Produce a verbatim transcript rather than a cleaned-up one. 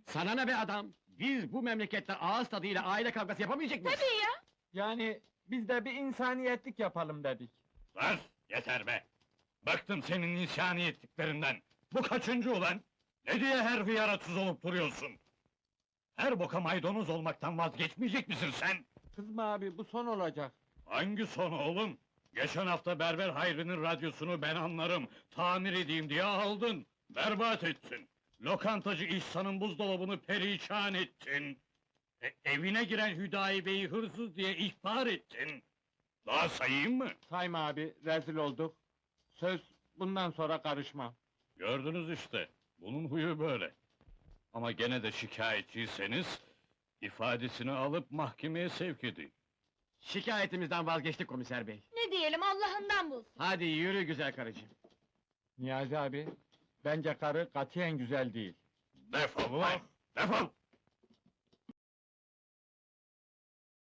Sana ne be adam? Biz bu memlekette ağız tadıyla aile kavgası yapamayacak mıyız? Tabii ya! Yani biz de bir insaniyetlik yapalım dedik. Sus! Yeter be! Bıktım senin insaniyetliklerinden! Bu kaçıncı ulan? Ne diye her hıyara tuz olup duruyorsun? Her boka maydanoz olmaktan vazgeçmeyecek misin sen? Kızma abi, bu son olacak. Hangi son oğlum? Geçen hafta Berber Hayri'nin radyosunu ben anlarım, tamir edeyim diye aldın. Berbat ettin. Lokantacı İhsan'ın buzdolabını perişan ettin. E, evine giren Hüdayi Bey'i hırsız diye ihbar ettin. Daha sayayım mı? Sayma abi, rezil olduk. Söz, bundan sonra karışmam. Gördünüz işte, bunun huyu böyle. Ama gene de şikayetçiyseniz, ifadesini alıp mahkemeye sevk edin. Şikayetimizden vazgeçtik komiser bey. Ne diyelim, Allah'ından bulsun! Hadi yürü güzel karıcığım. Niyazi abi, bence karı katiyen güzel değil. Defol ulan! Defol!